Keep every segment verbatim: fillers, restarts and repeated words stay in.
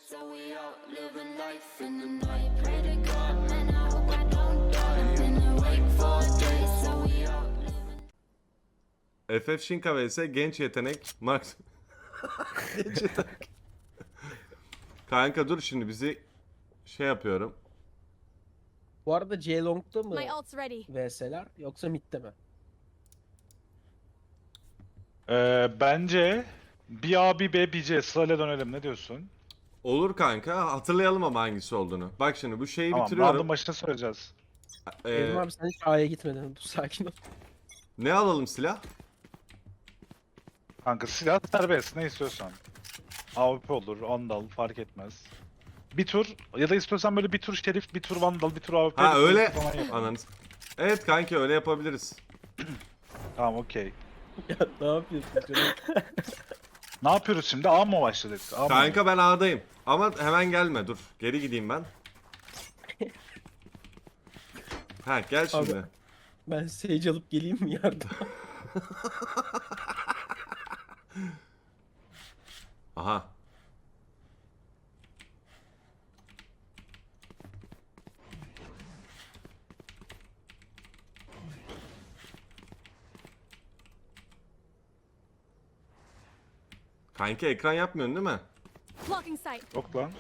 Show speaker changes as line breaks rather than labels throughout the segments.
So we out living life in the night. Pray to God, man, I hope I don't die. I've been awake for days, so we out living.
F F Shinka vs genç yetenek Max. Genç yetenek. Kanka dur şimdi bizi şey yapıyorum.
Bu arada C Long'da mı
My ult's ready.
V S'ler yoksa mid'de mi?
Ee, bence bir A bir B bir C sırayla dönelim, ne diyorsun?
Olur kanka, hatırlayalım ama hangisi olduğunu. Bak şimdi bu şeyi
Tamam,
bitiriyorum.
round'un başına soracağız.
Ee,
Evrim abi sen hiç A'ya gitmedin. Dur sakin ol.
ne alalım silah?
Kanka silah serbest, ne istiyorsan. A W P olur, Vandal fark etmez. Bir tur ya da istiyorsan böyle bir tur Şerif, bir tur Vandal, bir tur A W P.
Ha
bir tur
öyle.
falan yapalım.
Ananız. Evet kanki öyle yapabiliriz.
Tamam, okey.
Ya ne yapıyorsun canım?
Ne yapıyoruz şimdi? A mı başladık? A mı?
Kanka ben A'dayım. Ama hemen gelme dur. Geri gideyim ben. Ha gel şimdi.
Abi. Ben Sage alıp geleyim mi yardım?
Aha. Kanka ekran yapmıyorsun değil mi?
Blocking sight.
Yok lan.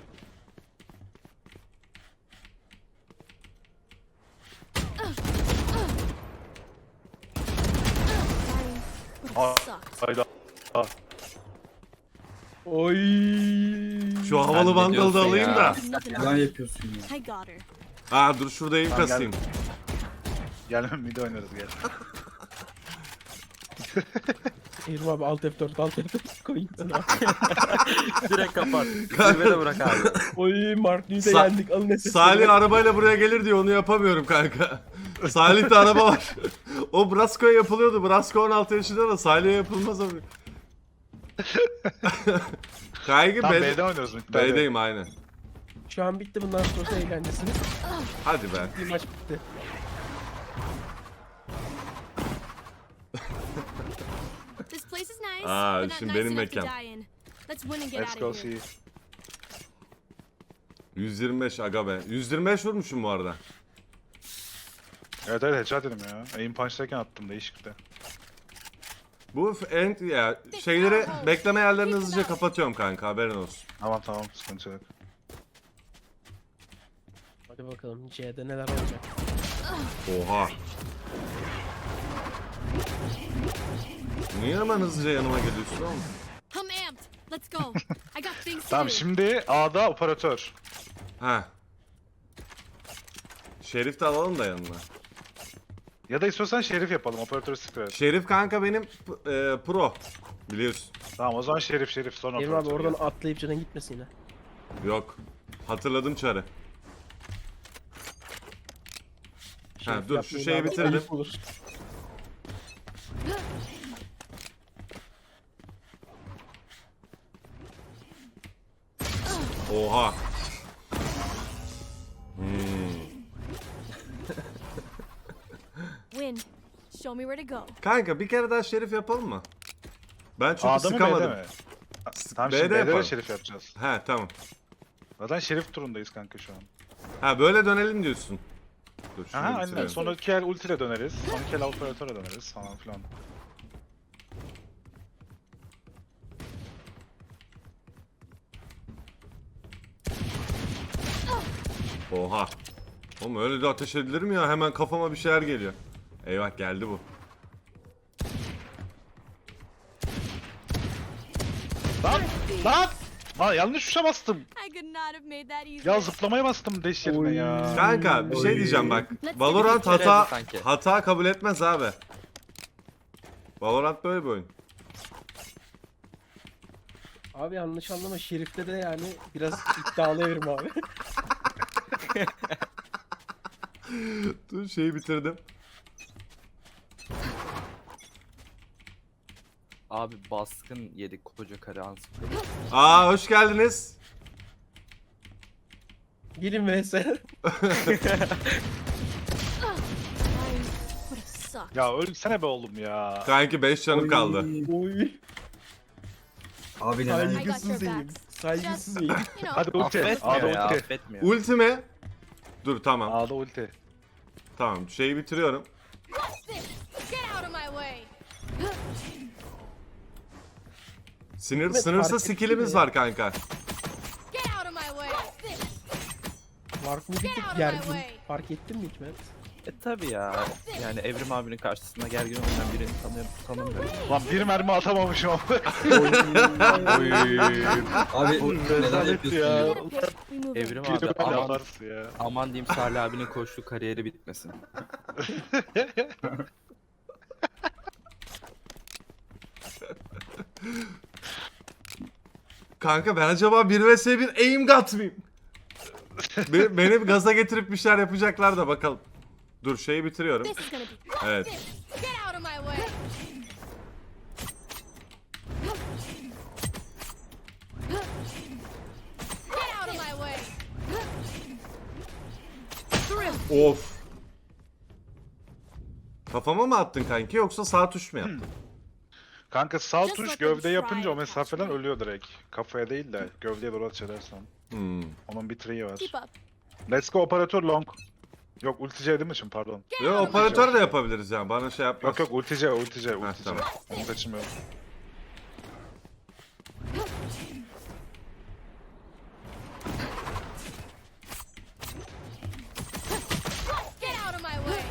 Aa,
Sucked.
hayda. Aa,
Oy.
Şu havalı
ne
vandalı da
diyorsun
alayım
ya?
da.
Nothing
Yalan yapıyorsun ya.
I got her.
Aa dur şurada ev
Tamam,
kasayım.
Gel mid oynarız gel.
Evrim abi alt F dört alt F dört koyayım sana.
Direkt kapat. Zirvede bırak abi.
Oy Mark'lıyı da
Sa-
yendik alın nefes.
Salih arabayla buraya gelir diyor, onu yapamıyorum kanka. Salih'te araba var. O Brasco'ya yapılıyordu. Brasco on altı yaşında da Salih'e yapılmaz abi. Kanka
Tamam,
ben
B'de oynuyoruz mid.
B'deyim aynen.
Şu an bitti bundan sonrası eğlencesini.
Hadi be.
Bir maç bitti.
This place is nice,
Aa,
but not
şimdi
nice
benim
enough to
mekan.
die in. Let's win and get
Let's
out
go
of here.
see.
yüz yirmi beş aga be. yüz yirmi beş vurmuşum bu arada.
Evet evet headshot dedim ya. Aim punch'tayken attım değişikti.
Bu f- end ya şeyleri bekleme yerlerini hızlıca kapatıyorum kanka, haberin olsun.
Tamam tamam, sıkıntı yok.
Hadi bakalım C'de neler olacak.
Oha. Niye hemen hızlıca yanıma geliyorsun oğlum?
I'm amped. Let's go. I got things to
Tamam,
do.
şimdi A'da operatör.
Ha. Şerif de alalım da yanına.
Ya da istiyorsan Şerif yapalım, operatörü sıkıyor.
Şerif kanka benim p- e, pro. Biliyorsun.
Tamam, o zaman Şerif Şerif sonra
Evrim abi
operatör.
oradan atlayıp canın gitmesin yine.
Yok. Hatırladım çarı. Ha
Şerif
dur şu
yapmayın
şeyi
abi,
bitirdim.
ayıp olur.
Oha. Hmm.
Win. Show me where to go.
Kanka bir kere daha şerif yapalım mı? Ben çünkü
A'da mı B'de
sıkamadım.
mi? Tamam,
B'de
şimdi B'de
yapalım.
de Şerif yapacağız.
He tamam.
Zaten Şerif turundayız kanka şu an.
Ha böyle dönelim diyorsun. Dur şunu
Aha aynen,
bitirelim.
sonraki el ultiyle döneriz. Sonraki el operatöre döneriz falan filan.
Oha. Oğlum öyle de ateş edilir mi ya? Hemen kafama bir şeyler geliyor. Eyvah geldi bu.
Lan! Lan! Lan yanlış tuşa bastım.
I could not have made that easy.
Ya zıplamaya bastım dash yerine
Oy.
ya.
Kanka bir şey diyeceğim bak.
Let's
Valorant
take it
hata
sanki.
hata kabul etmez abi. Valorant böyle bir oyun.
Abi yanlış anlama Şerif'te de yani biraz iddialı Evrim abi.
Dur şeyi bitirdim.
Abi baskın yedik koca karı ansızın.
Aa hoş geldiniz.
Gelin V S.
Mine would have sucked.
Ya ölsene be oğlum ya.
Kanki beş canım kaldı.
Oy.
Abi neden?
I got
Saygısız
your
eğim.
backs.
Saygısız eğim.
You know,
Hadi ulti. A'da
Affetmiyor ya
ulti.
affetmiyor.
Ulti mi? Dur tamam.
A'da ulti.
Tamam şeyi bitiriyorum.
this. Get out of my way.
Sinir,
Evet,
sınırsız
fark ettim
skillimiz
ya.
var kanka.
Get out of my way. This.
Mark'ın bir
Get
tık
out of my
gergin.
way.
Fark ettin mi Hikmet?
E tabi ya. Yani Evrim abinin karşısında gergin oynayan birini tanıyorum, tanımıyorum.
Lan bir mermi atamamışım ama.
Oy.
Abi
Bu
neden
rezalet
yapıyorsun
ya.
ya?
Get a pick. We move in.
Evrim
Bir
abi
de böyle
aman,
yaparsın ya.
aman diyeyim Salih abinin koşu kariyeri bitmesin.
Kanka ben acaba bir vs bir aim gat mıyım? Be- beni gaza getirip bir şeyler yapacaklar da bakalım. Dur şeyi bitiriyorum.
This is gonna be.
Evet.
This. Get out of my way. Get out of my way. Through.
Of. Kafama mı attın kanki yoksa sağ tuş mu yaptın?
Kanka sağ
Just
tuş
let them
gövde
try
yapınca o
and catch
mesafeden
me.
ölüyor direkt. Kafaya değil de gövdeye doğru ateş edersen.
Hmm.
Onun bir triği var.
Keep up.
Let's go operatör long. Yok ultice değil mi şimdi pardon.
Get
Yo
out of my
operatör de yapabiliriz yani bana şey yapmaz.
Yok yok ultice ultice ultice.
tamam.
Onu kaçırmıyorum.
Get out of my way.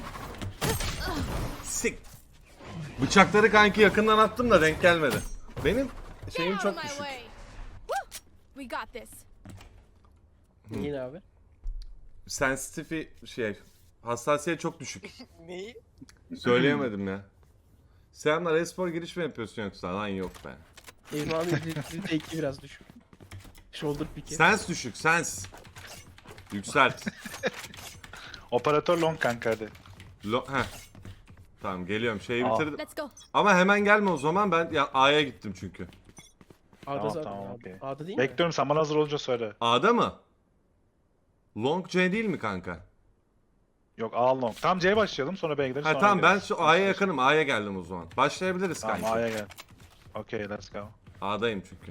Sik. Bıçakları kanki yakından attım da denk gelmedi. Benim
Get
şeyim
out of
çok
my
düşük.
way. Woo! We got this.
Yine abi.
Sensitifi şey hassasiyet çok düşük. Neyi? Söyleyemedim ya. Selamlar espor giriş mi yapıyorsun yoksa? Lan yok be.
Evrim abi retake biraz düşük. Shoulder pick'i.
Sens düşük sens. Yükselt.
Operatör long kanka hadi.
Lo heh. Tamam geliyorum şeyi
Aa.
bitirdim.
Let's go.
Ama hemen gelme o zaman ben ya A'ya gittim çünkü.
A'da
Tamam,
zaten.
tamam,
A'da-
okey.
A'da değil mi?
Bekliyorum sen bana hazır olunca söyle.
A'da mı? Long C değil mi kanka?
Yok A long. Tamam C'ye başlayalım sonra B'ye gideriz.
Ha
sonra
tamam ben
gideriz.
şu A'ya yakınım. A'ya geldim o zaman. Başlayabiliriz
Tamam
kanka.
A'ya gel. Okay let's go.
A'dayım çünkü.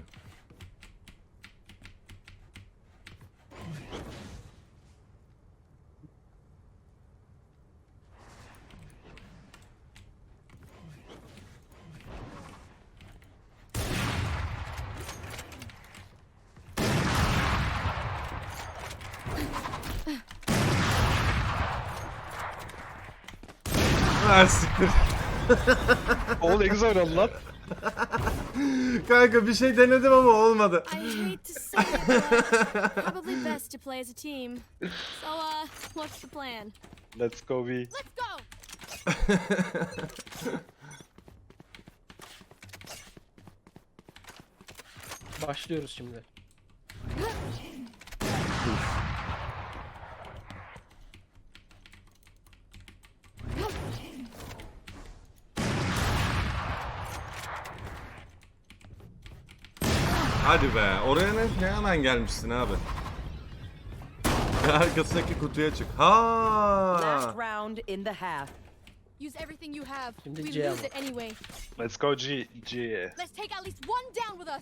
Ha siktir.
Oğlum ne güzel oldu lan.
Kanka bir şey denedim ama olmadı.
I hate to say it, but probably best to play as a team. So, uh, what's the plan?
Let's go B.
Let's go.
Başlıyoruz şimdi.
Hadi be. Oraya ne, ne hemen gelmişsin abi. Arkasındaki kutuya çık. Ha.
Last round in the half.
Use everything you have.
Şimdi
We
C
lose
ama.
it anyway.
Let's go G. G.
Let's take at least one down with us.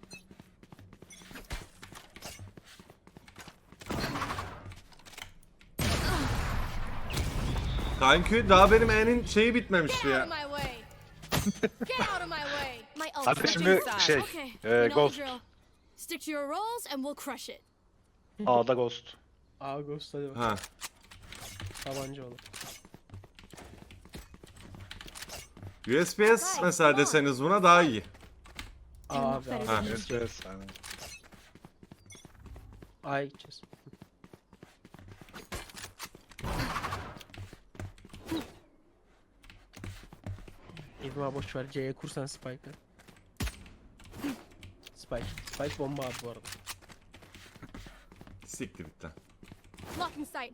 Kanki daha benim E'nin şeyi bitmemişti
Get out
ya.
of my way. Get out of my way. My ult.
Hadi
is
şimdi
inside.
şey,
Okay,
e,
you know the
Ghost.
drill. Stick to your roles and we'll crush it.
A'da Ghost.
A Ghost hadi bak.
Ha.
Tabanca olur.
U S P S mesela deseniz buna daha iyi.
A abi A.
Ha.
Yes yes. Yani.
A'ya gideceğiz. Evrim abi boş ver C'ye kursan Spike'ı. Spike. Spike bomba abi bu arada.
Siktir bitti.
Blocking sight.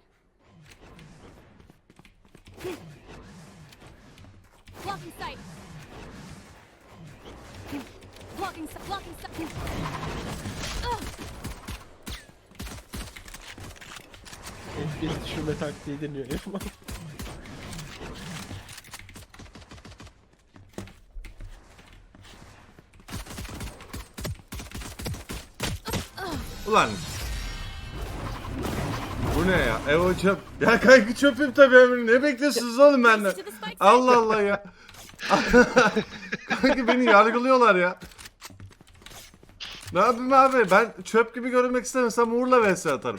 Blocking sight. Blocking sight. Blocking sight.
F P S düşürme taktiği deniyor Evrim abi.
Ulan. Bu ne ya? Evo çöp. Ya kanka çöpüm tabii ömrüm. Ne bekliyorsunuz oğlum benden?
To the spike site.
Allah Allah ya. Kanka beni yargılıyorlar ya. Ne yapayım abi? Ben çöp gibi görünmek istemesem Uğur'la vs atarım.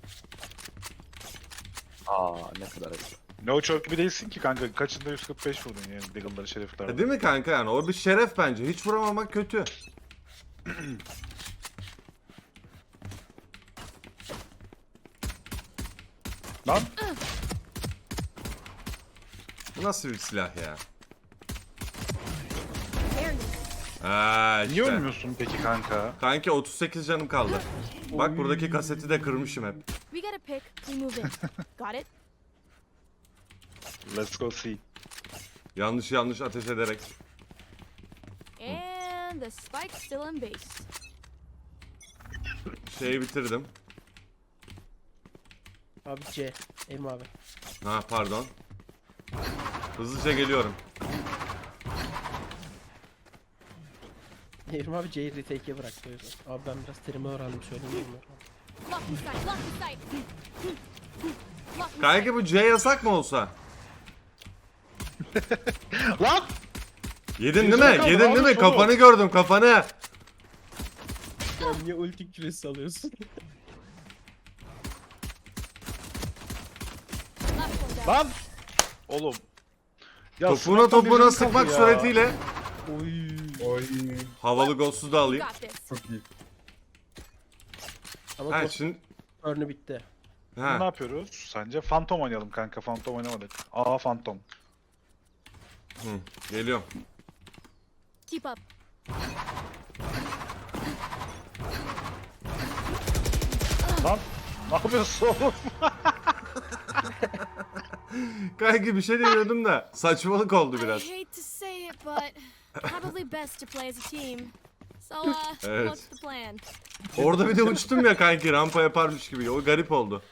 Aa ne kadar ayıp.
Ne o çok gibi değilsin ki kanka. Kaçında yüz kırk beş vurdun yani Deagle'ları
E
şerifler.
değil mi kanka yani? O bir şeref bence. Hiç vuramamak kötü.
Lan
Bu nasıl bir silah ya?
There you
Aa
niye
işte.
ölmüyorsun peki kanka?
Kanki otuz sekiz canım kaldı. Bak buradaki kaseti de kırmışım hep.
We got a pick. We move in. Got it?
Let's go see.
Yanlış yanlış ateş ederek.
And the spike's still in base.
Şeyi bitirdim.
Abi C. Evrim abi.
Ha pardon. Hızlıca geliyorum.
Evrim abi C'yi retake'e bıraktı o yüzden. Abi ben biraz terimi öğrendim söyleyeyim mi?
Lock in sight. Lock in sight. Lock in
Kanki bu C yasak mı olsa?
Lan!
Yedin değil
Yüzüne
mi?
kaldı,
Yedin değil mi?
almış oğlum.
Kafanı gördüm kafanı.
Sen niye ulti küresi alıyorsun?
Last one down.
Lan! Oğlum. Ya
Topuna
sınıftan
topuna
birinin
sıkmak
kapı ya.
suretiyle.
Oy.
Oy.
Havalı ghost'u da
You
alayım.
got this.
Çok iyi.
Ama
Ha
top
şimdi.
örnü bitti.
Ne
Ha.
yapıyoruz sence? Phantom oynayalım kanka. Phantom oynamadık. Aa Phantom.
Hı, geliyorum.
Keep up.
Lan! Ne yapıyorsun oğlum?
Kanki bir şey demiyordum da saçmalık oldu
I
biraz.
hate to say it, but probably best to play as a team. So, uh,
Evet.
what's the plan?
Orada bir de uçtum ya kanki rampa yaparmış gibi. O garip oldu.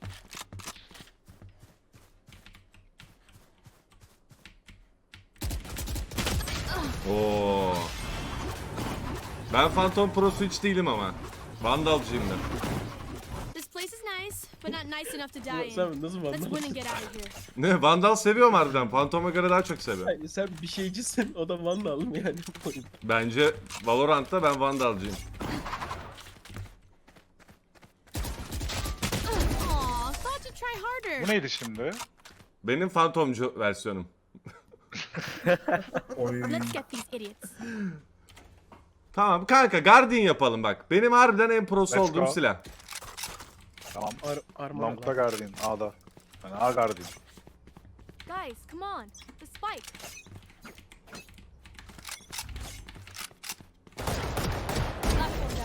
Oo. Ben Phantom Pro'su hiç değilim ama. Vandalcıyım ben.
This place is nice, but not nice enough to die in.
Sen nasıl
Let's win and
vandal?
get out of here.
Ne Vandal seviyorum harbiden. Phantom'a göre daha çok seviyorum.
Hayır, sen bir şeycisin o da vandal mı yani?
Bence Valorant'ta ben Vandalcıyım.
Aw, thought to try harder.
Bu neydi şimdi?
Benim Phantomcu versiyonum.
Oy.
Let's get these idiots.
Tamam kanka Guardian yapalım bak. Benim harbiden en prosu
Let's
olduğum
go.
silah.
Tamam.
Ar armor
Long'da
var.
Guardian. A'da. Yani A Guardian.
Guys, come on. The spike. Last one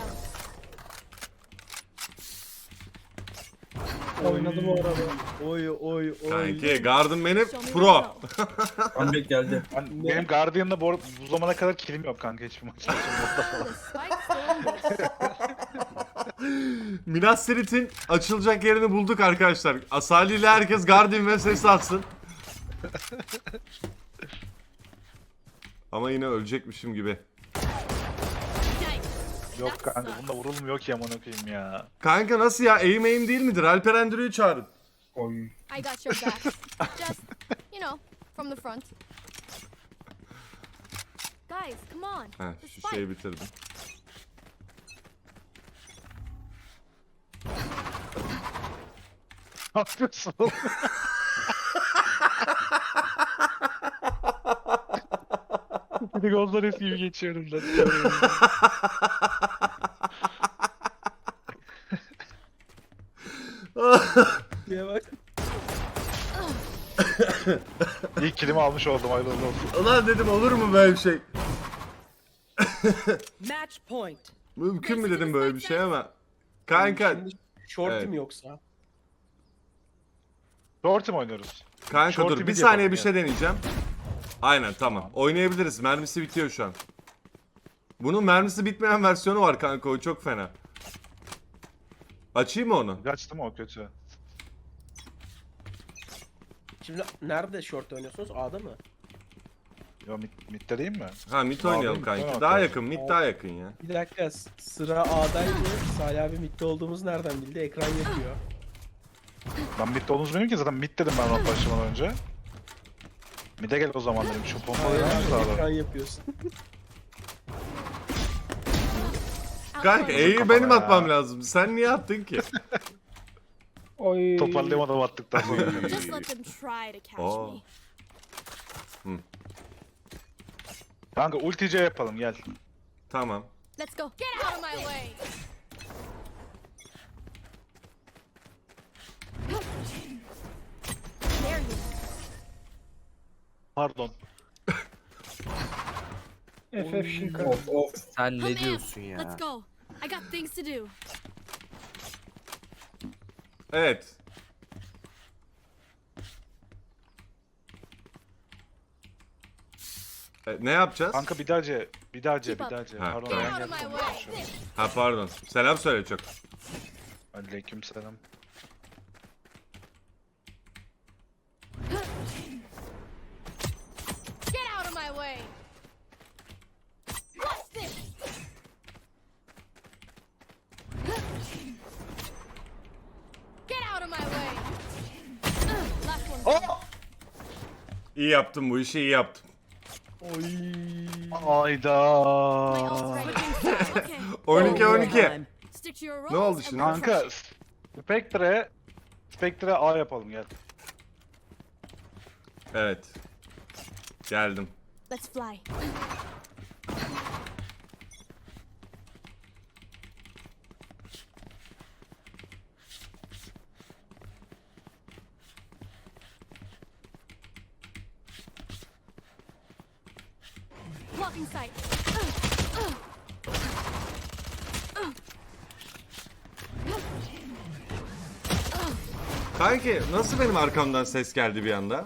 down.
Oynadı bu arada. Oy oy oy.
Kanki Guardian benim
Show me
pro.
where to go.
Comeback geldi.
Ben, benim Guardian'da bu, bu zamana kadar kilim yok kanka hiçbir maç.
The spike's still in base.
Minas Tirith'in açılacak yerini bulduk arkadaşlar. Asali ile herkes Guardian ve ses atsın. Ama yine ölecekmişim gibi.
Nice.
Yok kanka bunda vurulmuyor ki aman okuyayım ya.
Kanka nasıl ya? Aim aim değil midir? Alper Endüro'yu çağırın.
Oy.
I got your back. Just, you know, from the front. Guys, come on.
Ha,
The
şu
spike.
şeyi bitirdim.
Ne yapıyorsun oğlum? Bir de Gonzales gibi geçiyorum lan.
Diye bak.
İlk kilimi almış oldum hayırlı olsun.
Ulan dedim olur mu böyle bir şey?
Match point.
Mümkün mü dedim böyle bir şey ama. Kanka,
Şimdi shorty
Evet.
mi yoksa?
Shorty mi oynuyoruz?
kanka
Shorty
dur bir
mid
saniye
yapalım
bir
ya.
şey deneyeceğim. Aynen tamam. Oynayabiliriz. Mermisi bitiyor şu an. Bunun mermisi bitmeyen versiyonu var kanka o çok fena. Açayım mı onu?
Kaçtı mı o kötü?
Şimdi nerede short oynuyorsunuz? A'da mı?
Yo mid, midde değil mi?
Ha mid
Abi,
oynayalım
mid
kanki.
oynamak
Daha
lazım.
yakın, mid daha yakın ya.
Bir dakika s- sıra A'daydı. Salih abi midde olduğumuz nereden bildi? Ekran yapıyor.
Ben midde olduğunuzu bilmiyorum ki zaten mid dedim ben round başlamadan önce. Mid'e gel o zaman dedim. Şu pompaları
Salih
yapmamız
abi
lazım.
ekran yapıyorsun.
Kanka
Outpost.
E'yi
kafana
benim
ya.
atmam lazım. Sen niye attın ki?
Oy.
Toparlayamadım attıktan sonra.
Just let them try to catch
Oh.
me.
Kanka ulti C yapalım gel.
Tamam.
Let's go. Get out of my way. There you
Pardon.
F F şinka.
Of of.
Sen
Come
ne
in.
diyorsun ya?
Let's go. I got things to do.
Evet. E, ne yapacağız?
Kanka bir daha C. Bir daha C.
Keep
Bir
up.
daha C.
Ha,
Pardon
tamam.
ben
Get out of my
geldim.
way.
Ha pardon. Selam söyle çok.
Aleykümselam.
Get out of my way. What's this? Get out of my way. Ugh, last one.
Oh!
İyi yaptım bu işi iyi yaptım.
Oy.
Ayda.
My ult's ready. Okay.
on iki on iki.
Time.
Stick to your roles.
Ne oldu
and
şimdi?
we'll
Kanka
crush it.
Spectre Spectre A yapalım gel.
Evet. Geldim.
Let's fly. Blocking sight.
Kanki nasıl benim arkamdan ses geldi bir anda?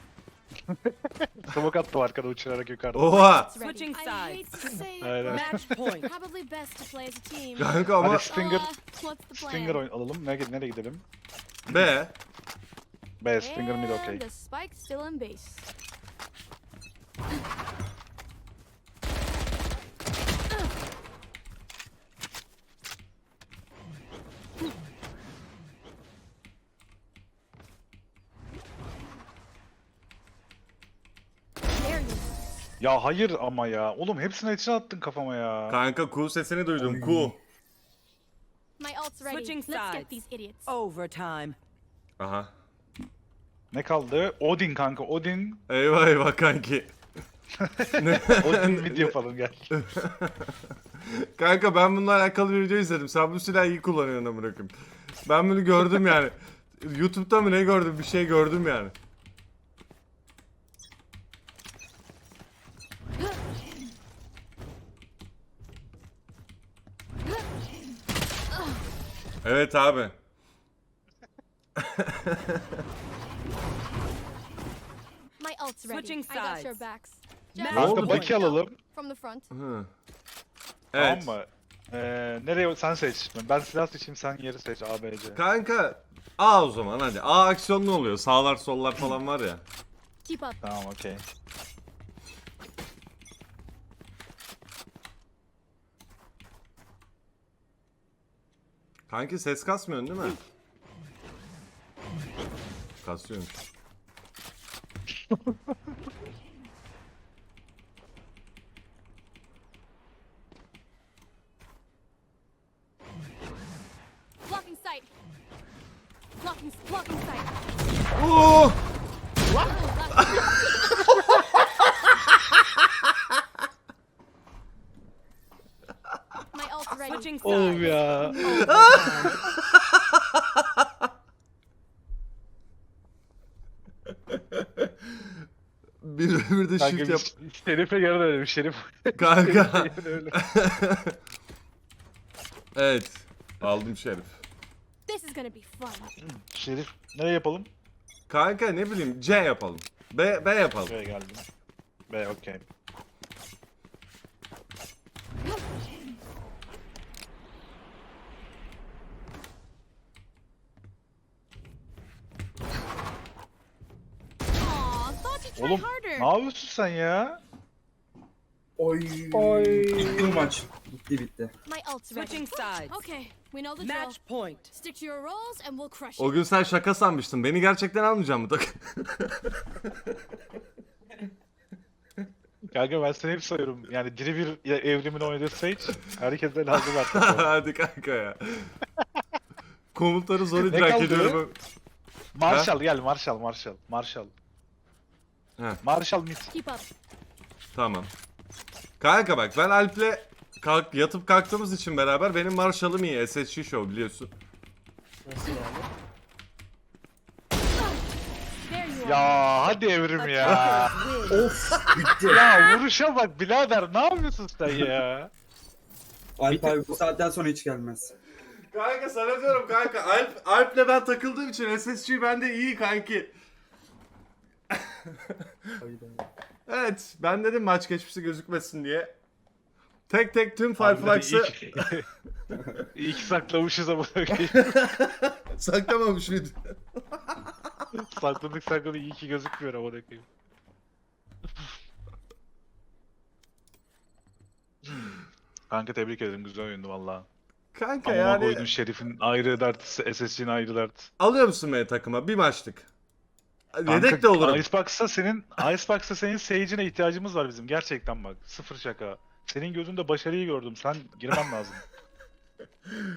Smoke attım arkada uçurarak yukarıda.
Oha!
It's ready.
Switching
I
sides.
hate to say it,
Aynen.
Match point.
probably best to play as a team.
Kanka ama
Hadi Stinger,
So, uh, what's the plan?
Stinger oyun alalım. Nereye, nereye gidelim?
B.
B, Stinger mid
And
okey.
the spike still in base. There you
Ya hayır ama ya. Oğlum hepsini içine attın kafama ya.
Kanka Q sesini duydum. Q.
My ult's ready.
Switching
Let's
sides.
get these idiots.
Overtime.
Aha.
Ne kaldı? Odin kanka. Odin.
Eyvah eyvah kanki.
Odin mid yapalım gel.
Kanka ben bununla alakalı bir video izledim. Sen bu silahı iyi kullanıyorsun amına koyayım. Ben bunu gördüm yani. YouTube'da mı ne gördüm? Bir şey gördüm yani. Evet abi.
My ult's ready.
Switching
I got your
sides.
backs.
Ne
Just
Kanka
oldu
Baki alalım.
from the front.
Hı. Evet.
Tamam mı? Ee, nereye sen seç. Ben silah seçeyim sen yeri seç A B C.
Kanka A o zaman hadi. A aksiyonlu oluyor. Sağlar sollar falan var ya.
Keep up.
Tamam okey.
Kanki ses kasmıyorsun değil mi? Kasıyormuş.
Blocking sight. Blocking, blocking sight.
Oo!
My ult's ready.
Switching
Oğlum
sides.
ya.
Overtime.
Bir bir de
Kanka
shift yap.
biz Şerif'e yarın öyle Şerif.
Kanka.
Yarın öyle.
Evet. Aldım Şerif.
This is gonna be fun.
Şerif nereye yapalım?
Kanka ne bileyim C yapalım. B, B yapalım.
Buraya geldim. B okey.
Aw, thought you Try
Oğlum
harder.
ne yapıyorsun sen ya?
Oy.
Oy.
Bitti bu maç. Bitti bitti.
My ult's ready.
Switching sides.
Okay, we know the drill.
Match point.
Stick to your roles and we'll crush
O
it.
gün sen şaka sanmıştın. Beni gerçekten almayacak mı takım?
Kanka ben seni hep sayıyorum. Yani diri bir ya- evrimin oynadığı Sage. Herkese lazım artık.
Hadi kanka ya. Komutları zor
Ne
idrak
kaldı?
ediyorum.
Marshall gel Marshall Marshall. Marshall.
He.
Marshall mid.
Keep up.
Tamam. Kanka bak ben Alp'le kalk, yatıp kalktığımız için beraber benim Marshall'ım iyi. S S G Show biliyorsun.
Nasıl yani?
There you are.
Ya hadi evrim ya.
Attackers win.
Of bitti.
Ya vuruşa bak birader ne yapıyorsun sen ya?
Alp abi bu saatten sonra hiç gelmez.
Kanka sana diyorum kanka. Alp, Alp'le ben takıldığım için S S G bende iyi kanki. Evet ben dedim maç geçmişi gözükmesin diye. Tek tek tüm Fireflux'ı
İyi ki saklamışız ama.
saklamamış mıydı?
Sakladık sakladık iyi ki gözükmüyor ama koyayım. Kanka tebrik ederim güzel oyundu valla.
Kanka
Ama
yani
koydun Şerif'in ayrı dert, S S C'nin ayrı dert.
alıyor musun beni takıma? Bir maçlık.
Kanka,
Yedek de olurum.
Icebox'ta senin Icebox'ta senin Sage'ine ihtiyacımız var bizim gerçekten bak. Sıfır şaka. Senin gözünde başarıyı gördüm. Sen girmen lazım.